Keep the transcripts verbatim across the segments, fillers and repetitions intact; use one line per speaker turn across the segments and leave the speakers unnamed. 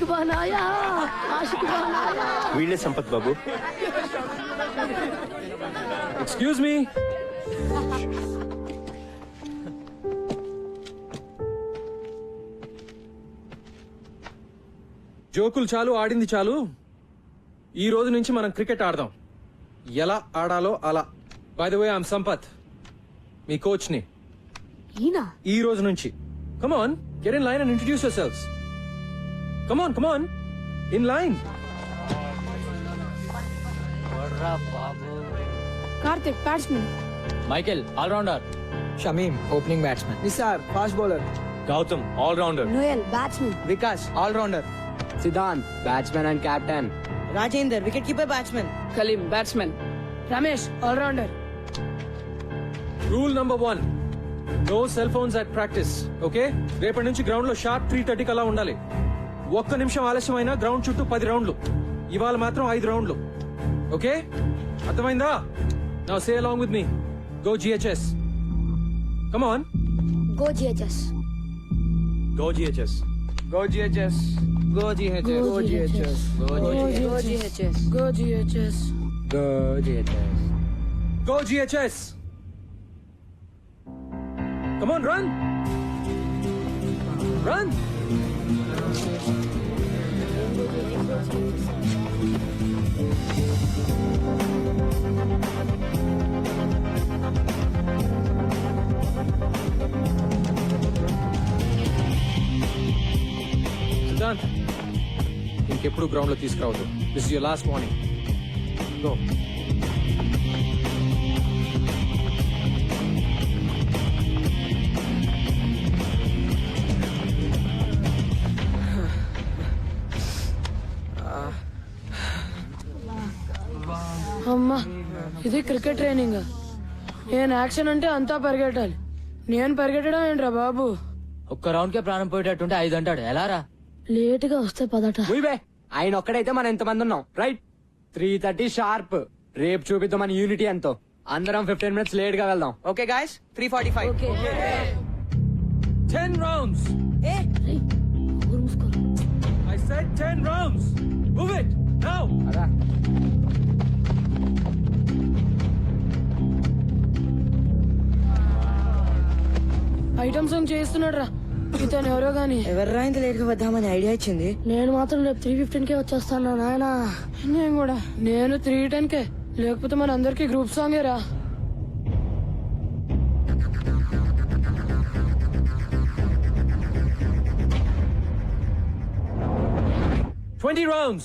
बनाया आशिक बनाया
వీళ్ళే సంపత్ బాబు.
Excuse me. జోకులు చాలు, ఆడింది చాలు. ఈ రోజు నుంచి మనం క్రికెట్ ఆడదాం. ఎలా ఆడాలో అలా. By the way I'm Sampath, మీ కోచ్ ని.
ఈనా
ఈ రోజు నుంచి come on, get in line and introduce yourselves. Come on, come on, in line.
Karthik batsmen,
Michael allrounder,
Shamim opening batsmen,
Nisar fast bowler,
Gautam all rounder,
Noel batsmen,
Vikas all rounder,
Siddhant batsmen and captain,
Rajender wicket keeper batsmen,
Kaleem batsmen, Ramesh allrounder.
Rule number one, no cell phones at practice. Okay, రేపటి నుంచి ground లో sharp three థర్టీకి అలా ఉండాలి. ఒక్క నిమిషం ఆలస్యమైనా ground చుట్టూ పది రౌండ్లు. ఇవాళ మాత్రం ఐదు రౌండ్లు. ఓకే, అర్థమైందా? Now say along with me, go GHS. Come on,
go GHS,
go GHS,
go GHS, go GHS,
go GHS, go GHS, go GHS,
go GHS.
Go GHS. Come on, run! Run! Siddhant, ఇంకెప్పుడు ground లో తీసుకురావద్దు. This is your last warning. Go.
అమ్మా ఇది cricket training. నేను action అంటే అంతా పరిగెట్టాలి. నేను పరిగెట్టడం ఏంట్రా బాబు?
ఒక్క రౌండ్ కే ప్రాణం పోయేటట్టుంటే ఐదు అంటాడు. ఎలా రా?
లేట్ గా వస్తే పదట.
ఉయ్ ఆయన ఒక్కడైతే మనం ఎంతమంది ఉన్నాం, రైట్? Three thirty sharp. రేపు చూపిద్దాం మన యూనిటీ ఎంతో. అందరం ఫిఫ్టీన్ మినిట్స్ లేట్ గా వెళ్దాం.
Okay guys, three forty five.
Ten rounds.
రేయ్, ఊరు మూసుకో.
I said ten rounds. Move it now.
అదా
ఐటమ్ సాంగ్ చేస్తున్నాడు రా ఇతను ఎవరో గాని.
ఎవర్రా ఇంత లేట్ గా వద్దామని ఐడియా ఇచ్చింది?
నేను మాత్రం రేపు త్రీ ఫిఫ్టీన్ కే వచ్చేస్తాను నాయన. నేను కూడా నేను త్రీ టెన్ కే, లేకపోతే మన అందరికి గ్రూప్ సాంగే రా.
Twenty rounds.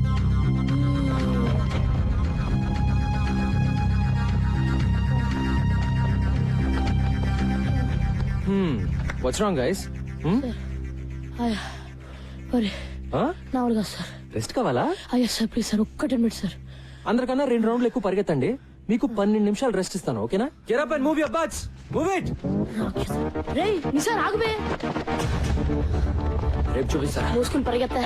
Hmm. What's wrong, guys? Hmm?
అయ్యా మరి
Huh?
నా వాళ్ళు కాదు సార్.
రెస్ట్ కావాలా?
అయ్యా సార్ ప్లీజ్ సార్, ఒక్క టెన్ మినిట్స్ సార్.
అందరికన్నా రెండు రౌండ్లు ఎక్కువ పరిగెత్తండి. మీకు పన్నెండు నిమిషాలు రెస్ట్ ఇస్తాను, ఓకేనా? Get up and move your butts. Move it.
రేయ్ నిసార్ ఆగుబే.
రేపు చూపిస్తా.
మూసుకుని పరిగెత్తా.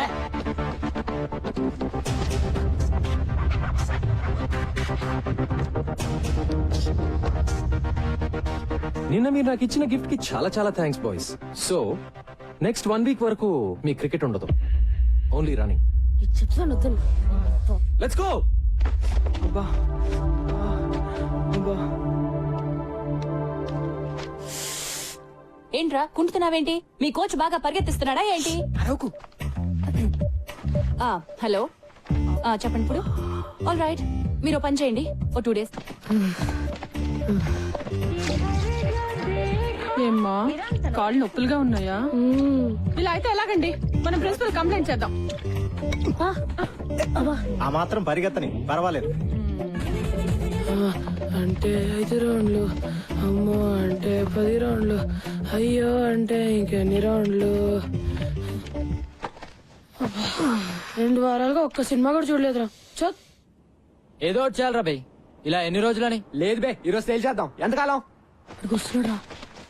నిన్న మీరు నాకు ఇచ్చిన గిఫ్ట్ కి చాలా చాలా thanks boys. So next one week వరకు మీ క్రికెట్ ఉండదు, ఓన్లీ రన్నింగ్.
చెప్తాను వద్దు.
Let's go.
అబ్బా అబ్బా,
ఏంట్రా కుంటున్నావేంటి? మీ కోచ్ బాగా పరిగెత్తిస్తున్నాడా ఏంటి?
అరవకు.
ఆ, హలో ఆ, చెప్పండి ఇప్పుడు. ఆల్ రైట్, మీరు ఓ పని చేయండి, ఓ టూ డేస్.
ఏమ్మా కాళ్ళు నొప్పులుగా ఉన్నాయా? ఇలా అయితే ఎలాగండి? మనం ప్రిన్సిపల్ కంప్లైంట్ చేద్దాం.
ఆ మాత్రం పరిగెత్తని పర్వాలేదు.
అంటే ఐదు రౌండ్లు, అమ్మో అంటే పది రౌండ్లు, అయ్యో అంటే ఇంకెన్ని రౌండ్లు. రెండు వారాలుగా ఒక్క సినిమా కూడా చూడలేదురా. చత్
ఏదో ఒకటి చేయాలరా బై. ఇలా ఎన్ని రోజులని?
లేదు బే, ఈరోజు తేల్చేద్దాం. ఎంతకాలం?
వస్తున్నాడా?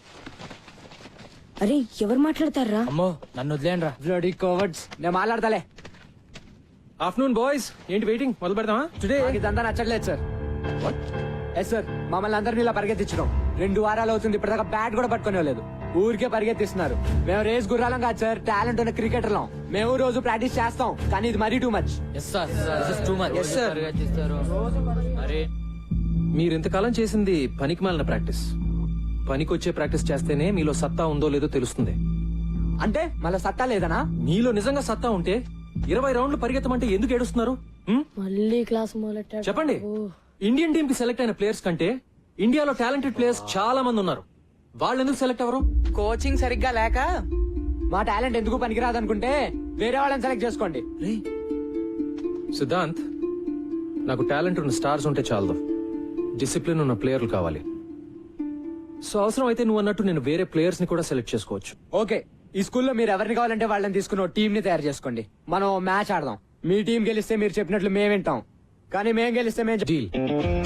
అరే ఎవరు మాట్లాడతారా?
అమ్మో నన్ను వదిలేండి రా.
Bloody cowards. నేను మాట్లాడతాలే.
ఆఫ్టర్నూన్ బాయ్స్, ఏంటి వెయిటింగ్? మొదలు పెడదామా? టుడే
నాకు ఇదంతా నచ్చట్లేదు సార్. ఎస్ సార్, మమ్మల్ని అందరినీ ఇలా పరిగెత్తించడం రెండు వారాలు అవుతుంది. ఇప్పటిదాకా బ్యాట్ కూడా పట్టుకునే లేదు. ఊరికే పరిగెత్తిస్తున్నారు. మేము రేస్ గుర్రాలం కాదు సార్, టాలెంట్ ఉన్న క్రికెటర్లం. మేము రోజు ప్రాక్టీస్ చేస్తాం, కానీ ఇది మరీ too much.
Yes sir too much
Yes, sir.
మరి
మీరు ఇంతకాలం చేసింది పనికిమాలిన ప్రాక్టీస్. పనికొచ్చే ప్రాక్టీస్ చేస్తేనే మీలో సత్తా ఉందో లేదో తెలుస్తుంది.
అంటే మళ్ళీ సత్తా లేదనా?
మీలో నిజంగా సత్తా ఉంటే ఇరవై రౌండ్లు పరిగెత్తమంటే ఎందుకు ఏడుస్తున్నారు? హ్మ్?
మళ్ళీ క్లాస్ మొదలెట్టాడు.
చెప్పండి.
ఓ.
ఇండియన్ టీమ్ కి సెలెక్ట్ అయిన ప్లేయర్స్ కంటే ఇండియాలో టాలెంటెడ్ ప్లేయర్స్ చాలా మంది ఉన్నారు. వాళ్ళు ఎందుకు సెలెక్ట్ అవ్వరు?
కోచింగ్ సరిగ్గా లేక
మా టాలెంట్ ఎందుకు పనికిరాదు అనుకుంటే వేరే వాళ్ళని సెలెక్ట్ చేసుకోండి.
సిద్ధాంత్, నాకు టాలెంట్ ఉన్న స్టార్స్ ఉంటే చాలదు, డిసిప్లిన్ ఉన్న ప్లేయర్లు కావాలి. సో అవసరం అయితే నువ్వు అన్నట్టు నేను వేరే ప్లేయర్స్ ని కూడా సెలెక్ట్ చేసుకోవచ్చు.
ఓకే, ఈ స్కూల్లో మీరు ఎవరిని కావాలంటే వాళ్ళని తీసుకుని టీం ని తయారు చేసుకోండి. మనం మ్యాచ్ ఆడదాం. మీ టీం గెలిస్తే మీరు చెప్పినట్లు మేము వింటాం, కానీ మేము గెలిస్తే మేము చెప్-
డీల్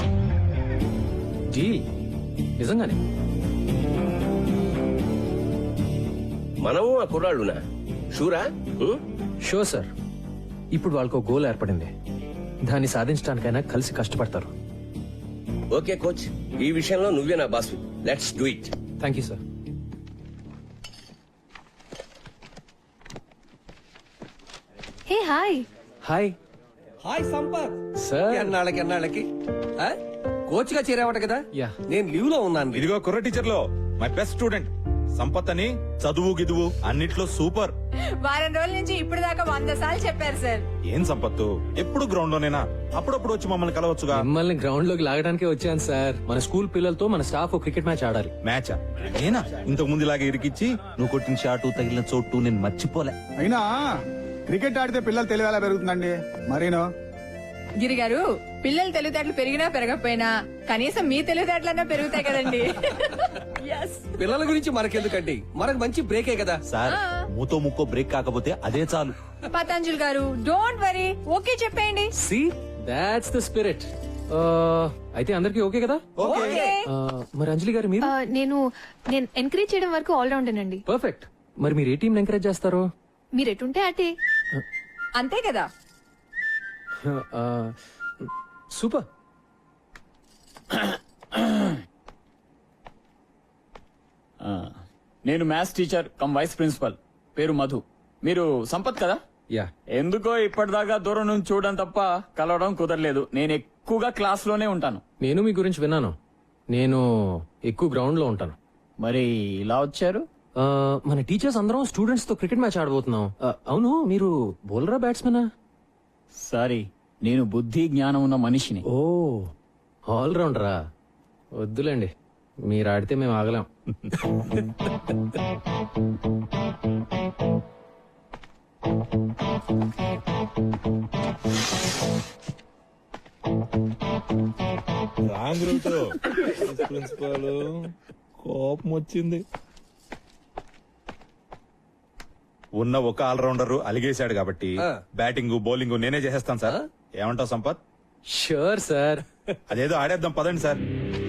డీల్ నిజంగానే.
మనము ఆ కుర్రాళ్ళునా షూరా ఉం?
Sure sir. ఇప్పుడు వాళ్ళకు గోల్ ఏర్పడింది, దాన్ని సాధించడానికైనా కలిసి కష్టపడతారు.
ఓకే కోచ్, ఈ విషయంలో నువ్వే నా boss. Let's do it.
Thank you sir.
Hey hi.
Hi
hi Sampath.
Sir.
ఎన్నాళ్ళకి ఎన్నాళ్ళకి కోచ్ గా చేరావట కదా.
యా.
నేను లీవ్ లో ఉన్నాను.
ఇదిగో కుర్ర టీచర్ లో మై బెస్ట్ స్టూడెంట్ సంపత్ అని, చదువు గిదువు అన్నిట్లో సూపర్.
వారం రోజుల నుంచి ఇప్పుడు దాకా వంద సార్లు చెప్పారు సార్.
ఏం సంపత్తు ఎప్పుడు గ్రౌండ్ లోనేనా? అప్పుడప్పుడు వచ్చి మమ్మల్ని కలవచ్చుగా.
మిమ్మల్ని గ్రౌండ్ లోకి లాగడానికే వచ్చాను సార్. మన స్కూల్ పిల్లలతో మన స్టాఫ్ క్రికెట్ మ్యాచ్ ఆడాలి.
మ్యాచా? నేనా ఇంతకు ముందు ఇలాగే ఇరికిచ్చి నువ్వు కొట్టిన షాటు తగిలిన చోటు నేను మర్చిపోలే.
అయినా క్రికెట్ ఆడితే పిల్లలు తెలివి ఎలా పెరుగుతుందండి? మరీనో
గిరి గారు, పిల్లలు తెలివితేటలు పెరిగినా పెరగకపోయినా కనీసం మీ తెలివితేటలన్నా పెరుగుతాయి కదండి. Yes.
పిల్లల గురించి మనకెందుకండి, మనకు మంచి బ్రేకే కదా.
సార్, మూతో ముక్కో బ్రేక్ కాకపోతే అదే చాలు.
పతంజలి గారు, డోంట్ వరీ, ఓకే చెప్పేయండి.
See that's the spirit. అయితే అందరికి ఓకే కదా?
ఓకే.
Uh, మరి అంజలి గారు మీరు?
నేను నేను ఎంకరేజ్ చేయడం వరకు ఆల్ రౌండ్ అండి.
పర్ఫెక్ట్. మరి మీరు ఏ టీం ఎంకరేజ్ చేస్తారు?
మీరు ఎటుంటే అటే.
అంతే కదా.
సూపర్.
నేను maths teacher cum vice principal, పేరు మధు. మీరు సంపత్ కదా?
యా.
ఎందుకో ఇప్పటిదాకా దూరం నుంచి చూడడం తప్ప కలవడం కుదరలేదు. నేను ఎక్కువగా క్లాస్ లోనే ఉంటాను.
నేను మీ గురించి విన్నాను. నేను ఎక్కువ గ్రౌండ్ లో ఉంటాను.
మరి ఇలా వచ్చారు?
Uh, మన టీచర్స్ అందరం స్టూడెంట్స్ తో క్రికెట్ మ్యాచ్ ఆడబోతున్నాం. Uh, అవును, మీరు బౌలరా బ్యాట్స్మెనా?
సారీ, నేను బుద్ధి జ్ఞానం ఉన్న మనిషిని.
ఓ, ఆల్ రౌండరా? వద్దులేండి, మీరు ఆడితే మేము ఆగలేం.
Wrong route. ప్రిన్సిపాల్ కోపం వచ్చింది. ఉన్న ఒక ఆల్రౌండర్ అలిగేశాడు కాబట్టి బ్యాటింగ్ బౌలింగ్ నేనే చేసేస్తాను సార్. ఏమంటావు సంపత్?
Sure sir.
అదేదో ఆడేద్దాం పదండి సార్.